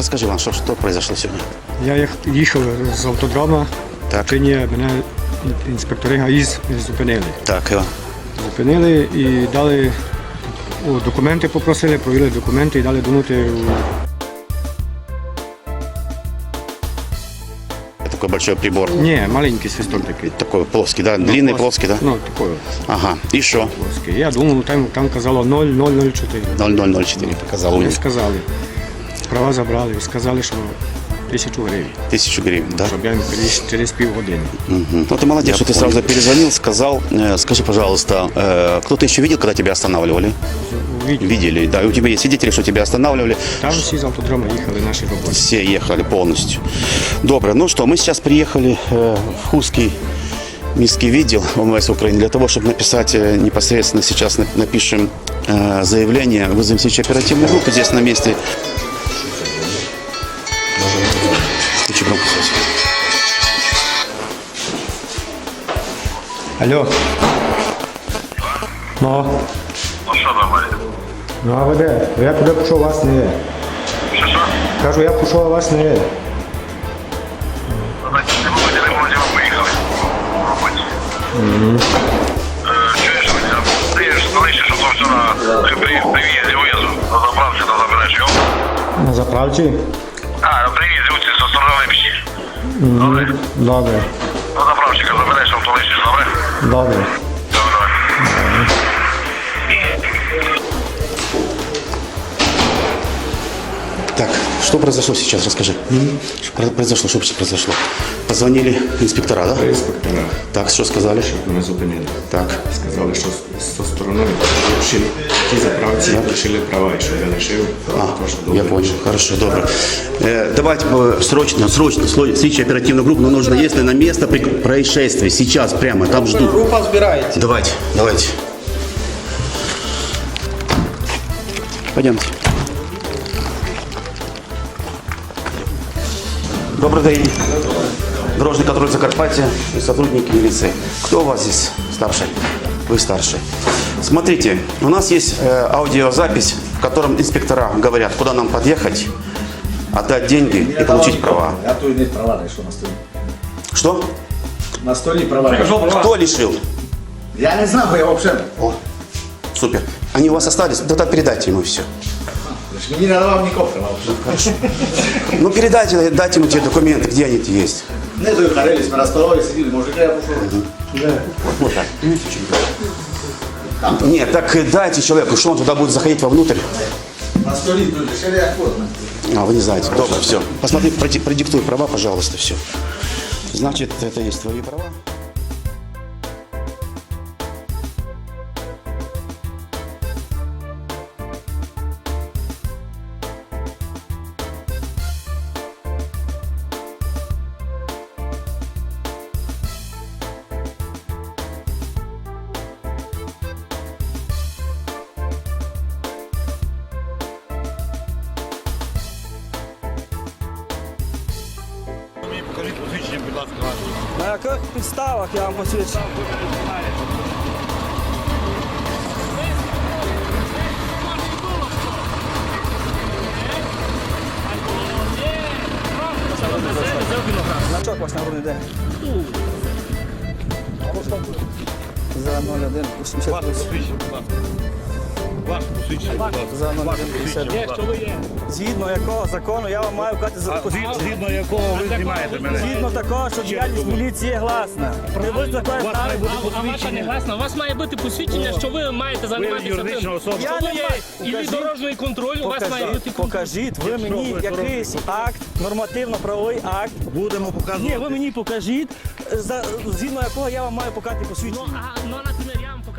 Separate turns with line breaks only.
расскажи вам, что произошло сегодня.
Я їхав з автодрама,
Так.
мене інспектори ГАІ зупинили.
Так, Иван.
Зупинили і дали документи, попросили, провели документи і дали дунути
Такой большой прибор.
Ні, маленький свисток такий.
Такой плоский, да? Длинный, плоский, да?
Ну, такий
Ага. И что?
плоский. Я думав, там казало 0,004.
0,004 показал у
Не
них.
сказали. Права забрали, сказали, що 1000 гривень,
1000 гривен, да?
щоб я їм привіз через півгодини.
Мгм. Ну, ты молодец, что ты сразу перезвонил, сказал. Скажи, пожалуйста, кто-то еще видел, когда тебя останавливали? Видели, да. И у тебя есть свидетели, что тебя останавливали?
Там всі з автодрама їхали наші роботи.
Все ехали полностью. Добро. Ну что, мы сейчас приехали в Хустский міський відділ ОМВС Украины для того, чтобы написать непосредственно сейчас напишем заявление, вызовем следующую оперативную группу здесь на месте. Включи громкую связь.
Алло. Ну,
Ну що нормально?
ну а ви де? Я туди пішов, вас не є.
Що?
Кажу, я пішов, а вас не є.
Значить, не було діли, ми поїхали. В роботі. Чуєш, ти ж залишиш ото все на привізі виїзду. На заправці то забереш, йо?
На заправці?
А, на привізі оці зі сторони Липші. Добре?
Добре,
На заправчика забереш, авто лишиш, добре?
добре.
Добре, давай.
Так, что произошло сейчас, расскажи. Что произошло, что вообще произошло? Позвонили инспектора, да?
Інспектора
Так, что сказали?
мене зупинили.
Так,
Сказали, що зі сторони лишили ті заправці, лишили права, і що я лишив.
я понял. Хорошо, добро. Давайте срочно, следующую оперативную группу, но нужно, если на место происшествия, сейчас прямо, там ждут.
Група збирається.
Давайте. Пойдемте. Добрый день. Дорожный контроль Закарпатья и сотрудники милиции. Кто у вас здесь старший? Вы старший. Смотрите, у нас есть аудиозапись, в котором инспектора говорят, куда нам подъехать, отдать деньги и получить права.
Я тут не права знайшов на столі.
Что?
На столі права.
Кто лишил?
Я не знаю, бо я взагалі.
О, супер. Они у вас остались? Тогда передайте ему все.
Мені не давав нікого права.
Ну передайте, дайте ему те документы, где они есть.
Не доїхарились, ми на столові сиділи, мужики, я пішов.
Вот так. Нет, так дайте человеку, что он туда будет заходить вовнутрь.
На столі тут лишили, як форма.
А, вы не знаете. Добро, все. Посмотри, продиктуй права, пожалуйста, все. Значит, это есть твои права.
Покажіть посвідчення, будь ласка, ваше.
На яких підставах я вам посвідчу? Значок ваш нагрудний день. За 01 88.
Ваше посвідчення, будь ласка. Ваше посвідчення, будь ласка.
За
Ваше
01
посвідчення, будь ласка.
Згідно якого закону я вам маю вказати за посвідчення.
Згідно якого ви знімаєте мене?
Згідно такого, що діяльність міліції є гласна. Не ви такої
У вас має бути
А ваша не
посвідчення.
гласна. У вас має бути посвідчення, що ви маєте
Ви
займатися
юридична
тим.
особа.
Я
Що
не
ви є?
маю.
І
Покажіть.
дорожній контроль у вас має бути.
Покажіть ви мені якийсь акт, нормативно-правовий акт.
Будемо показувати.
Ні, ви мені покажіть, згідно якого я вам маю показати посвідчення.
Ну, наприклад, я вам